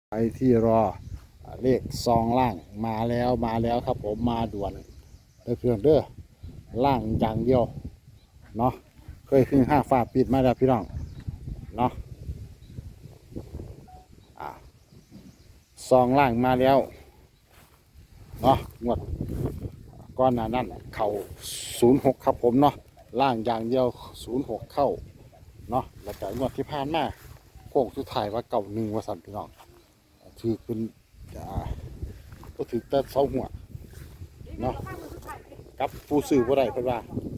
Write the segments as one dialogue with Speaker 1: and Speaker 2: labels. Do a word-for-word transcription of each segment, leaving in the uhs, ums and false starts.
Speaker 1: ไปที่รอเลขซองล่างมาแล้วมาแล้วครับผมมาด่วนเด้อเพื่อนเด้อล่างอย่างเดียวเนาะเคยขึ้นห้าฟ้าปิดมาแล้วพี่น้องเนาะอ่าซองล่างมาแล้วเนาะงวดก้อนหน้านั้นเข่าศูนย์หกครับผมเนาะล่างอย่างเดียวศูนย์หกเข้าเนาะแล้วแต่งวดที่ผ่านมาโค้งสุดท้ายว่าเก่าหนึ่งว่าสั่นพี่น้องถือเป็นอ่าก็ถือแต่เสาหัวเนาะกับผู้ซื้อบ่ได้เพิ่นว่า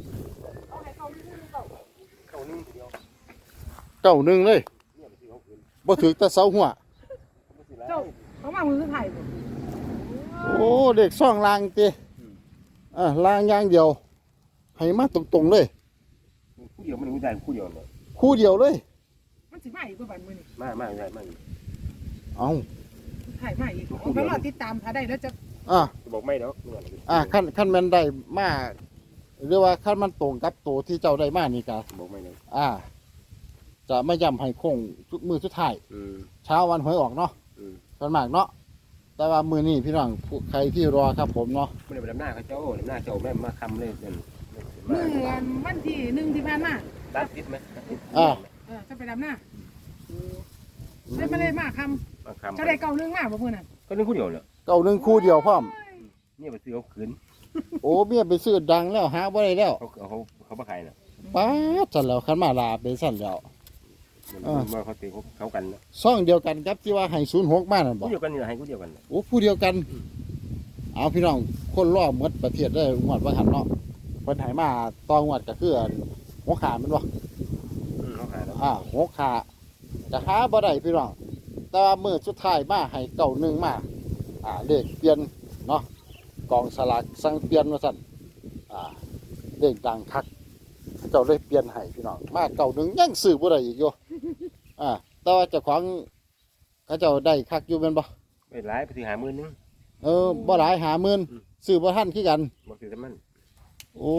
Speaker 1: เก้าหนึ่งเลยบ่ถือแต่เสาหัว
Speaker 2: เจ้าเขามามือถ่ายบ่
Speaker 1: โอ้เด็กซ่องลางติอ่าลางอย่างเดียวให้มาตรงๆเลย
Speaker 3: คู่เดียวมันรู้ใจคู่เดียวเลย
Speaker 1: คู่เดียวเลย
Speaker 2: มันสิมาอีกบ่บัดมื้อนี้
Speaker 3: มากมากใช่มาก
Speaker 1: เอ้า
Speaker 2: ถ่ายมาอีกเอาไปรอติดตามถ้าได้แล้วจะ
Speaker 1: อ่า
Speaker 3: บอกไม่ดอกเมื่อไหร่
Speaker 1: อ่าขั้นขั้นแม่นได้มาหรือว่าขั้นมันตรงกับตัวที่เจ้าได้มานี่กะ
Speaker 3: บอกไม่เลย
Speaker 1: อ่า จะไม่ย้ำให้โค้งทุกมือสุดท้าย
Speaker 3: อืม
Speaker 1: เช้าวันหวยออกเนาะ
Speaker 3: อืม
Speaker 1: ส่วนมากเนาะแต่ว่ามือนี้พี่น้องผู้ใครที่รอครับผมเนาะ
Speaker 3: ไม่ได้ไปดำหน้าเขาเจ้าดำหน้าเจ้าแม่มาคำเลยเดิน
Speaker 2: มื้อวันที่หนึ่งที่ผ่านมา
Speaker 3: ตัดติดไหม
Speaker 1: อ่า
Speaker 2: เออจะไปดำหน้าได้มาเลยมาค
Speaker 3: มา
Speaker 2: ำ
Speaker 3: คำ
Speaker 2: จะได้เก่านึงมาบ่มื้อนั้น
Speaker 3: ก็นึกคู่เดียวเลย
Speaker 1: เก่าหนึ่งคู่เดียวพร้อม
Speaker 3: นี่ไปซื้อเขาขืน
Speaker 1: โอ้เมียไปซื้อดังแล้วหาบ่ได้แล้ว
Speaker 3: เขาเขาเขามาขายน่ะ
Speaker 1: ป้าดสั่นแล้วขันมาลาเป็นสั่นแล้ว
Speaker 3: มาเขาตีเขากัน
Speaker 1: ซ่องเดียวกันครับที่ว่าให้ศูนย์หกมานั่นบอ
Speaker 3: คู่
Speaker 1: ก
Speaker 3: เดียวกันนี่ให้คู่เดียวกัน
Speaker 1: โอ้ผู้เดียวกัน เอาพี่น้องคนรอบหมดประเทศได้งวดว่าหันเนาะเพิ่นให้มาตองวดก็คือหัวขาแมันบ่
Speaker 3: เขาขายแล้ว
Speaker 1: อ่าหัวขาจะหาบ่ได้พี่น้องแต่ว่ามื้อสุดท้ายมาให้เก้าหนึ่งมาอ่าเลขเปลี่ยนเนาะกองสลากสั่งเปลี่ยนว่าซั่นอ่าเลขดังคักเจ้าเลยเปลี่ยนให้พี่น้องมาเก้าหนึ่งยังซื้อบ่ได้อีกอยู่อ่าแต่ว่าเจ้าของเขาเจ้าได้คักอยู่แม่นบ่
Speaker 3: ไปร้ายไปซื้อหามือนึง
Speaker 1: เออบ่หลายหาหมื่น
Speaker 3: อืม
Speaker 1: ซื้อบ่ทันคือกัน
Speaker 3: บอกซื้อแต่มัน
Speaker 1: โอ้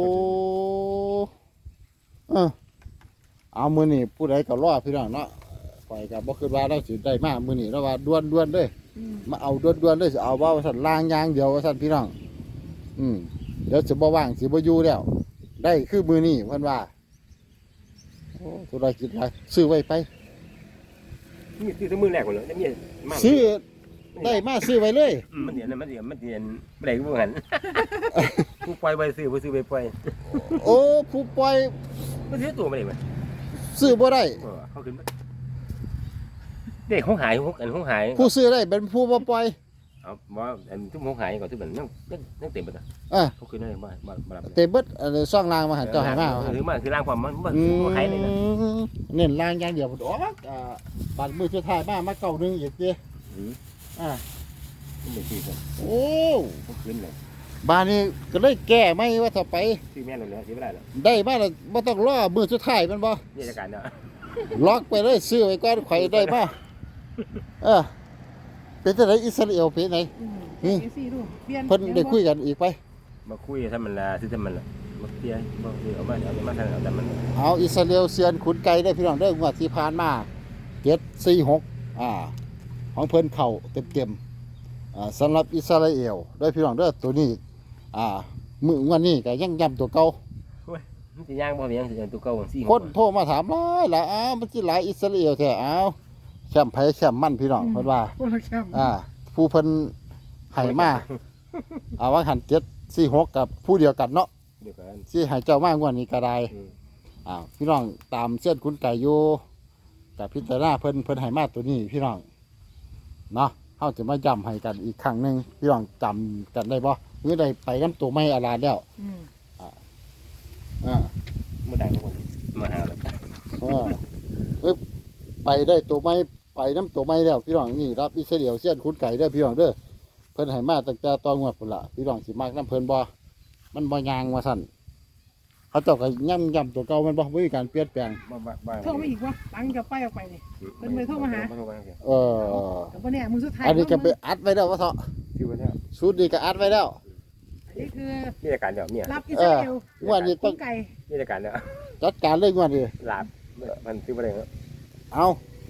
Speaker 1: เออเอามื้อนี้ผู้ใดก็รอพี่น้องเนาะข่อยก็บ่คิดว่าเราสิได้มามื้อนี้เราว่าด่วนๆเด้อ
Speaker 2: อืม
Speaker 1: มาเอาด่วนๆเลยสิเอาว่าว่าซั่นล่างอย่างเดียวว่าซั่นพี่น้องอืมเดี๋ยวสิบ่ว่างสิบ่อยู่แล้ว ได้คือมื้อนี้เพิ่นว่าโอ้ธุรกิจหลายซื้อไว้ไป
Speaker 3: นี่ซื้อแต่มือแรกหมดเลยนี่มาก
Speaker 1: ซื้อได้มาซื้อไว้เลย
Speaker 3: มันเดียนมันเดียนมันเดียนไม่ได้ก็เหมือนผู้ปล่อยไปซื้อไปซื้อไปปล่อย
Speaker 1: โอ้ผู้ปล่อย
Speaker 3: มันซื้อตัวไม่ได้ไหม
Speaker 1: ซื้อบ่ได้
Speaker 3: เขาขึ้นเด็กเขาหายเขาอันเขาหาย
Speaker 1: ผู้ซื้อได้เป็นผู้บ่ปล่อย
Speaker 3: เอาว่าอันทุกเขาหายก่อนทุกแบบนั่งนั่งเต็มไปเลย
Speaker 1: อ่ะ
Speaker 3: เขาขึ้นได้มามามา
Speaker 1: เตเบิดอันนี้ซ่องรางมาหันเจ้าให้มาว่าหั่น
Speaker 3: หรือมาคือร่างความมันมัน
Speaker 1: อืม
Speaker 3: หายเลยนะ
Speaker 1: เน้นล่างอย่างเดียวโอ้อ่าบัตรมือสุดท้ายมามาเก่าหนึ่งอีกเดียอ่า
Speaker 3: มันไม่ซื้อกัน
Speaker 1: โอ้
Speaker 3: เขาขึ้นเลย
Speaker 1: บ้านนี้ก็เลยแก้ไม่ว่าถ้าไป
Speaker 3: ซื้อแม่เราเลยซื้อไม่ได้หรอก
Speaker 1: ได้มาแล้วบ่ต้องรอมือสุดท้ายแมันบ่
Speaker 3: นี่ราการเนาะ
Speaker 1: ล็อกไปเลยซื้อไว้ก่อนข่อยได้มาเออเป็นจังไดอิสราเอลเป็นไหน
Speaker 2: อืม
Speaker 1: อืม
Speaker 2: เอซี่ดูเปลี่ยน
Speaker 1: เพิ่นได้คุยกันอีกไป
Speaker 3: มาคุยถ้ามันละซื้อถ้ามันละมาเตี้ยมาเอามาเอามาทางเอาแต่มัน
Speaker 1: เอาอิสราเอลเซียนขุนไก่ได้พี่น้องได้องวดที่ผ่านมาเจ็ดสี่หกอ่า ของเพิ่นเข้าเต็มๆอ่าสำหรับอิสราเอลได้พี่น้องเด้อตัวนี้ อ่ามื้องวดนี้ก็ยังย้ำตัวเก่า
Speaker 3: มันจะย่างบ่มีย่างสิตัวเก่าสี่
Speaker 1: คนโทรมาถามหลายหลายอ้าวมันสิหลายอิสราเอลแท้อ้าวแชมป์ไผแชมป์มันพี่น้องเพิ่นว่า
Speaker 2: คนละแคม
Speaker 1: อ่า ผู้เพิ่นให้มาเอาว่าหันเจ็ดสี่หกกับผู้เดียวกันเนาะ
Speaker 3: เดียวกัน
Speaker 1: สิให้เจ้ามางวดนี้ก็ได้
Speaker 3: อืม
Speaker 1: อ่าพี่น้องตามเส้นคุณไก่อยู่กับพิจารณาเพิ่นเพิ่นให้มาตัวนี้พี่น้องเนาะเฮาจะมาย้ำให้กันอีกครั้งหนึงพี่น้องจำกันได้บ่หรือได้ไปนํตัวไม่อาลาแล้ว
Speaker 2: อืม
Speaker 1: อ่า
Speaker 3: มาได้ทุกคนมาหาแล้ว
Speaker 1: เออเอ้ยไปได้ตัวไม้ไปน้ำตัวไม้แล้วพี่น้องนี่รับอิสราเอลเส้นคุณไก่เด้อพี่น้องเด้อเพิ่นให้มาตั้งแต่ตอนงวดพุ่นละพี่น้องสิมากน้ำเพิ่นบ่มันบ่ยางว่าสั่นเขาเจ้าก็ย่ำย่ำตัวเก่ามันบ่มีการเปลี่ยนแปลง
Speaker 3: บ้าบ้าบ้า
Speaker 2: โทรมาอีกวะตังค์จะไปออกไปนี่ เป็นไปโทรมาหา
Speaker 1: เออ
Speaker 2: แต่ว่าเนี่ยมือสุดท้าย
Speaker 1: อันนี้ก็ไปอัดไว้แล้วว่าเถาะ
Speaker 3: คือว่าเนี่ย
Speaker 1: ชุดนี้ก็อัดไว้แล้ว
Speaker 2: อันนี้คือ
Speaker 3: นี่ราการเดียวเนี่ย
Speaker 2: รับอิสราเอล
Speaker 1: งวดนี้
Speaker 2: คุ
Speaker 1: ต้อง
Speaker 2: ณไก่
Speaker 3: นี่ราการเดียว
Speaker 1: จัดการเลยงวดนี้
Speaker 3: หลาบมันซื้อมาได้แล้ว
Speaker 1: เอา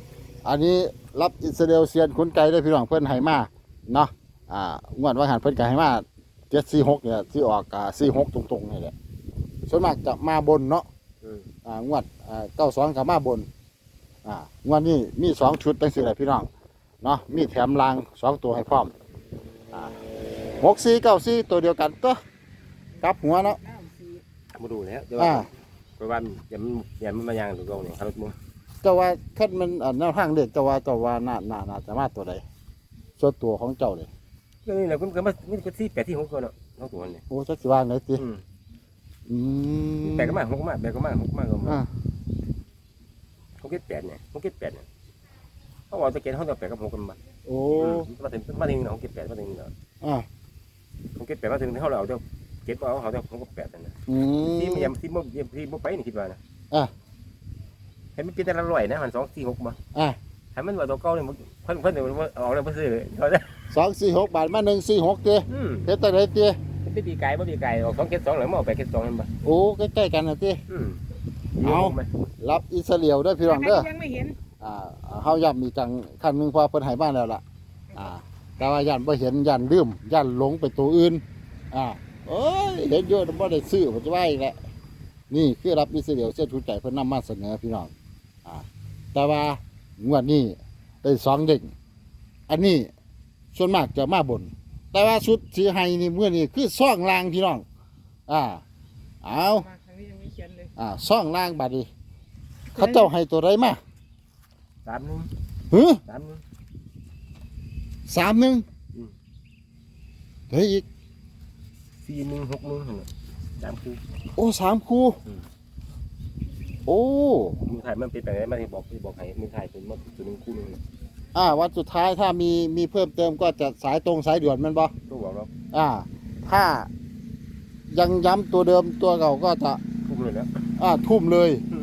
Speaker 1: อันนี้รับอิสราเอลเซียนคุณไก่ได้พี่น้องเพิ่นให้มาเนาะอ่างวดว่าหันเพิ่นก็ให้มาเจ็ดสี่หกเนี่ยที่ออกอ่าสี่หกตรงๆนี่แหละส่วนมากจะมาบนเนาะ
Speaker 3: อืม
Speaker 1: อ่างวดอ่าเก้าสองกับมาบนอ่างวดนี้มีสองชุดตั้งสี่แหละพี่น้องเนาะมีแถมรางสองตัวให้พร้อมอ่าหกสี่เก้าสี่ตัวเดียวกันตัวกลับหัวเนาะ
Speaker 2: เก้าสี่
Speaker 3: มาดูแล้วแต่
Speaker 1: อ่า
Speaker 3: ว่าเพราะว่าอย่ามันอย่ามันมายางตรงๆเนี่ยครับมึง
Speaker 1: เจ้าว่าคันมันอ่าแนวทางเด็กเจ้าว่าเจ้าว่าน่าน่าน่าจะมาตัวใดส่วนตัวของเจ้าเลย
Speaker 3: เรื่องนี้แหละคุณก็มามันก็ที่แปดที่หกก็เนาะทั้งตัวเนี่ย
Speaker 1: โอ้จักสิว่าไหนติ
Speaker 3: อืม
Speaker 1: อืม
Speaker 3: แปดก็มาหกก็มาแปดก็มาหกก็มาก็มา
Speaker 1: อ่า
Speaker 3: หกเก็ดแปดเนี่ยหกเก็ดแปดเนี่ยเขาบอกจะเก็ดเขาจะแปดกับหกกันมา
Speaker 1: โอ้
Speaker 3: มาถึงมาถึงหกเก็ดแปดมาถึงเนาะ
Speaker 1: อ่า
Speaker 3: หกเก็ดแปดมาถึงเขาเราเอาเจ้าเก็ดเอาเขาเจ้าหกแปดนั่นนะ
Speaker 1: อืม
Speaker 3: ที่มันยังที่มันที่มันไปนี่คิดว่านะ
Speaker 1: อ่ะ
Speaker 3: เห็นมันเป็นแต่ละร้อยนะมันสองสี่หกมา
Speaker 1: อ่ะ
Speaker 3: ให้มันว่าตัวเก่าเนี่ยเพิ่นเพิ่นเดี๋ยวมันออกแล้วมันซื้อเลยเขาจะ
Speaker 1: สองสี่หกบาทมาหนึ่งสี่หกเตี้ย
Speaker 3: อืม
Speaker 1: เฮ็ดแต่ไหนเตี้ย
Speaker 3: มันเป็นปีไก่บ่ปีไก่ออกสองเก็ดสองหรือมันออกแปดเก็ดสองนั่นบ่
Speaker 1: โอ้ใกล้ๆกันนะเตี้ย
Speaker 3: อืม
Speaker 1: เอา รับอิสราเอลเด้อพี่น้องเด้อ
Speaker 2: ยังไม่เห็น
Speaker 1: อ่าเฮาย้ำอีกจังคันหนึงเพอเพิ่นให้บ้านแล้วล่ะอ่าแต่ว่าย่านบ่เห็นย่านลืมย่านหลงไปตัวอื่นอ่าเอ้ยเห็นอยู่แต่บ่ได้ซื้อผมจะว่าอีกแหละนี่คือรับอิสราเอลเสื้อชูใจเพิ่นนำมาเสนอพี่น้องอ่าแต่ว่างวดนี้ได้สองเด้งอันนี้ส่วนมากจะมาบน แต่ว่าชุดที่ให้นี่มื้อนี้คือซ่องลางพี่น้องอ่าเอา
Speaker 2: มาทางนี้ยังไม่เขียนเลย
Speaker 1: อ่าซ่องลางบัดนี้เขาเจ้าให้ตัวใดมา
Speaker 3: สามหนึ่ง
Speaker 1: หือ
Speaker 3: สามหนึ่ง
Speaker 1: สามหนึ่ง
Speaker 3: อืม
Speaker 1: เฮ้ยอีก
Speaker 3: สี่หนึ่งหกหนึ่งหั่นน่ะสามคู่
Speaker 1: โอ้สามคู่
Speaker 3: อืม
Speaker 1: โอ้
Speaker 3: มือถ่ายมันเป็นไปได้มาที่บอกที่บอกให้มือถ่ายเป็นมาตัวหนึงคู่หนึง
Speaker 1: อ่าวันสุดท้ายถ้ามีมีเพิ่มเติมก็จะสายตรงสายด่วนแมันบ่
Speaker 3: ตัวบอกเรา
Speaker 1: อ่า ถ้ายังย้ำตัวเดิมตัวเก่าก็จะ
Speaker 3: คู่เลยแล้ว
Speaker 1: อ่าทุ่มเลย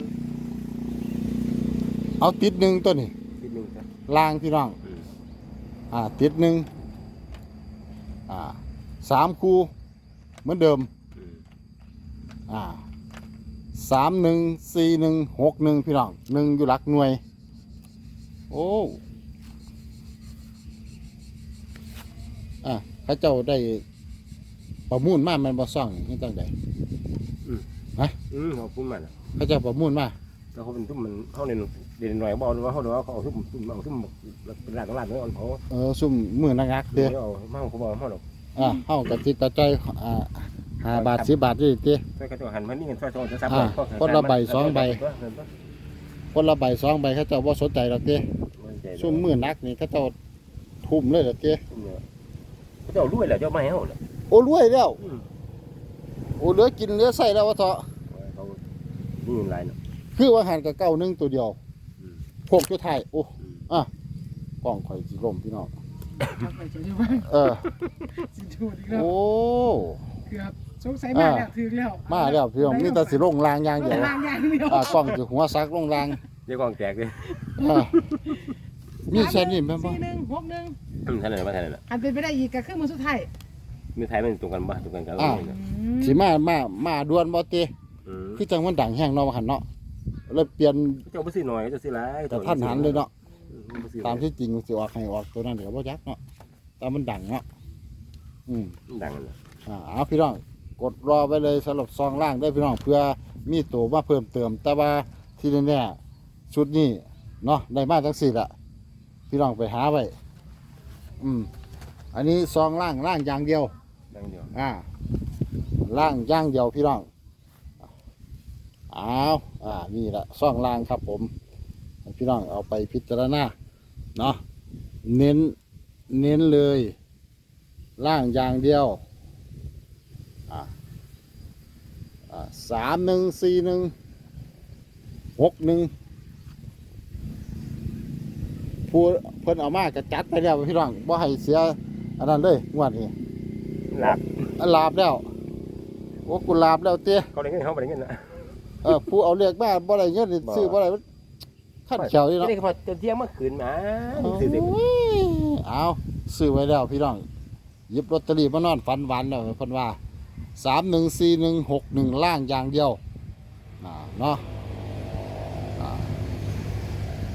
Speaker 1: เอาติดหนึ่งตัวนี้
Speaker 3: นิดนึงครับ
Speaker 1: ลางพี่น้อง
Speaker 3: อืม
Speaker 1: อ่าติดหนึ่งอ่าสามคู่เหมือนเดิม
Speaker 3: อืม
Speaker 1: อ่าสามหนึ่งสี่หนึ่งหกหนึ่งพี่น้องหนึ่งอยู่หลักหน่วย โอ้อ่ะเข้าเจ้าได้ประมูลมาแมันบ่ซ่องนี่ตั้งใด
Speaker 3: อืมขอบคุณมากนะ
Speaker 1: เข้าเจ้าประมูลมา
Speaker 3: แต่เขาเป็นทุ่มมันเขาเรียนเรียนหน่อยบอกว่าเขาเดี๋ยวเขาเอาทุ่มทุ่มเอาทุ่มเป็นร้านของร้านน้อยอ่อนเขา
Speaker 1: เออซุ่มมือนักนักๆเด้อ
Speaker 3: เดี๋ยวเอามาเขาบอกเขาหรอก
Speaker 1: อ่ะเฮากับจิตตะใจอยอ่าห้าบาทสิบบาทนี่ติ
Speaker 3: ช่วยเขาจะหันมานี่เงินช่วยจะซับ
Speaker 1: อ่าคนละใบสองใบ คนละใบสองใบเข้าเจ้าบ่สนใจดอกเด้ซุ่มมือนักนี่เข้าเจ้าทุ่มเลยดอกเด้
Speaker 3: เขาจะเอารวยแหละเจ้าไม่ให้เขาเลย
Speaker 1: โอ้รวยแล้วโอ้เหลือกินเหลือใส่แล้วว่าเถาะ
Speaker 3: เขานี่เงินไรเนาะ
Speaker 1: คือว่าหันกับเก้าหนึงตัวเดียว
Speaker 3: อืม
Speaker 1: พวกอยู่ไทายโอ้กล้องข่อยสิล่มพี่น้อง
Speaker 2: ทำไปจะได้บ้าง
Speaker 1: เออ
Speaker 2: สิถูกอีกแล้ว
Speaker 1: โอ้
Speaker 2: เกือบสงสัยมาแล้วถึงแล้ว
Speaker 1: มาแล้วพี่น้องมีแต่สิลงรางอย่างเดียว
Speaker 2: ลางอย่างเดียว
Speaker 1: อ่ากล้องสิหัวซักลงราง
Speaker 3: เดี๋ยวกองแตกเลย
Speaker 1: อ่ามีแค่นี้แม่นบ่
Speaker 2: สี่หนึ่งหกหนึ่ง
Speaker 3: อืมท่านไหนมาท่านไหนล่ะ
Speaker 2: อันเป็นไปได้อีกกับเครื่องมือสุดท้าย
Speaker 3: มือไทยมันตรงกันบ้างตรงกันกัน
Speaker 2: อืม
Speaker 1: สิมามามาด่วนบ่ติ
Speaker 3: อืม
Speaker 1: คือจังมันดังแห้งเนาะว่าหั่นเนาะเลยเปลี่ยน
Speaker 3: เจ้าไปซื้อหน่อยเจ้าซื้อไร
Speaker 1: แต่ท่านหันเลยเนาะตามที่จริงสิออกให้ออกตัวนั้นเดี๋ยวบ่ยักเนาะแต่มันดังเนาะอืม
Speaker 3: ดังเลย
Speaker 1: อ่าเอาพี่น้องกดรอไว้เลยสำหรับซองล่างได้พี่น้องเพื่อมีตัวมาเพิ่มเติม แต่ว่าที่แน่ๆชุดนี้เนาะได้มาทั้งสี่ละพี่น้องไปหาไว้อืมอันนี้ซองล่างล่างอย่างเดียว
Speaker 3: ดังเดียว
Speaker 1: อ่าล่างอย่างเดียวพี่น้องเอาอ่านี่แหละซองล่างครับผมให้พี่น้องเอาไปพิจารณาเนาะเน้นเน้นเลยล่างอย่างเดียว อ่าอ่าสามหนึ่งสี่หนึ่งหกหนึ่งผู้เพิ่นเอามากระจัดไปแล้วพี่น้องบ่ให้เสียอันนั้นเลยงวดนี้
Speaker 3: หลับ
Speaker 1: อันลาบแล้วโอ้กูลาบแล้วเตี้ย
Speaker 3: เขาได้เงินเขาไม่ได้เงินนะ
Speaker 1: เออผู้เอาเรียกมาบ่ได้เงินนี่ซื้อบ่ได้มันขั้นเขียวนี่
Speaker 3: ไม่
Speaker 1: เนาะ
Speaker 3: ได้พอจะเที่ยงเมื่อคืนมาซื้อเด็ก
Speaker 1: โอ้ยเอาซื้อไว้แล้วพี่น้องหยิบลอตเตอรี่มานอนฝันหวานแล้วเพิ่นว่าสามหนึ่งสี่หนึ่งหกหนึ่งล่างอย่างเดียวอ่าเนาะอ่า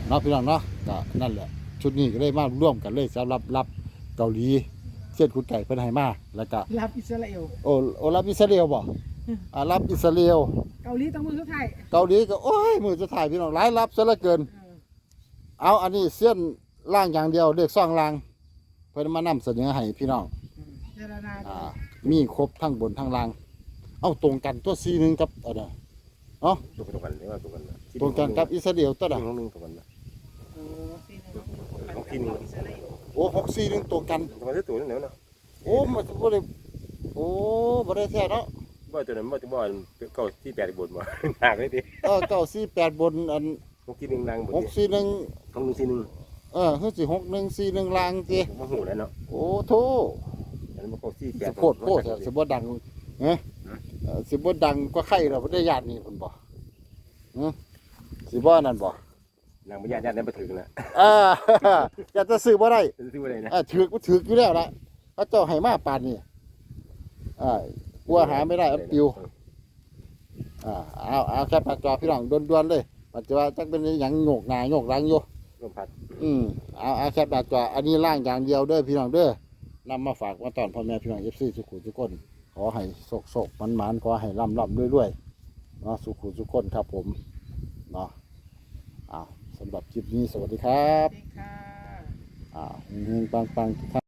Speaker 1: เนาะพี่น้องเนาะก็นั่นแหละชุดนี้ก็เลยมาร่วมกันเลยสำหรับรับเกาหลีเช่นคุณไก่เพิ่นให้มาแล้วก็
Speaker 2: รับอิสราเอล
Speaker 1: โอ้โอ้รับอิสราเอลบ่อ่ารับอิสราเอล
Speaker 2: เกาหลีต้องมือสุดท้าย
Speaker 1: เกาหลีก็โอ้ยมือจะถ่ายพี่น้องหลายรับซะเหลือเกิน
Speaker 2: เออ
Speaker 1: เอาอันนี้เส้นล่างอย่างเดียวเลือกซ่องล่างเพิ่นมานำเสนอให้พี่น้อง
Speaker 2: อืมเจรนา
Speaker 1: อ่ามีครบทั้งบนทั้งล่าง เอาตรงกันตัวซีหนึงกับเอะไรเนาะ
Speaker 3: ตรงกันหรือว่าตรงกันนะ
Speaker 1: ตรงกันกับอิสราเอลตัว
Speaker 3: ที่
Speaker 1: น่ะ
Speaker 3: หนึ่งหนึ่งตรงกันนะ
Speaker 2: โอ้ซีนึง
Speaker 3: ของที่หนึ่ง
Speaker 2: อิสราเอล
Speaker 1: โอ้หกซีหนึงตรงกัน
Speaker 3: ตรงกันที่ตัวนั่นแหละเนาะ
Speaker 1: โอ้มันบ่ได้โอ้บ่ได้แท้เนาะ
Speaker 3: บ่ตัวนั้นบ่ตัวบ่เก้าที่แปดบนบ่หนักเลยดิ
Speaker 1: เออเก้าสี่แปดบนอัน
Speaker 3: ของที่หนึ่งนางบน
Speaker 1: หกสี่หนึ่ง
Speaker 3: ของหนึ่งที่หนึ่ง
Speaker 1: เออคือสิหกหนึ่งสี่หนึ่งล่างสิ
Speaker 3: ผมหูแล้วเนาะ
Speaker 1: โอ้โธ่
Speaker 3: อันนั้นบ่เก้าที่แป
Speaker 1: สิ
Speaker 3: ด
Speaker 1: โพดโพดเถอะสิบ่ดังเอ้เออสิบ่ดังกว่าใครเราบ่ได้ญาตินี่เพิ่นบ่เออสิบ่นั่นบ่
Speaker 3: นางบ่ญาติญาตินั้นบ่ถึงนะ
Speaker 1: อ่า อยากจะซื้อบ่ได้
Speaker 3: ซื้อบ่ได้นะ
Speaker 1: อ่าถือกบ่ถือกอยู่แล้วล่ะเขาเจ้าให้มาปานนี้อ่ากลัวหาไม่ได้อันปิวอ่าเอาเอาแค่ปากจอพี่น้องด่วนๆเลยปัจจุบันจักเป็นหยังโงกหน้าโงกหลังอยู่
Speaker 3: ลมพัด
Speaker 1: อืมเอาเอาแค่ปากจออันนี้ล่างอย่างเดียวเด้อพี่น้องเด้อนำมาฝากมาตอนพ่อแม่พี่น้อง เอฟ ซี ทุกคนทุกคนขอให้โศกๆมันๆขอให้ร่ำๆรวยๆเนาะสุขุทุกคนครับผมเนาะอ้าวสำหรับคลิปนี้สวัสดีครับ
Speaker 2: เด็กค่ะ
Speaker 1: อ่าเฮงๆปังๆทุกท่าน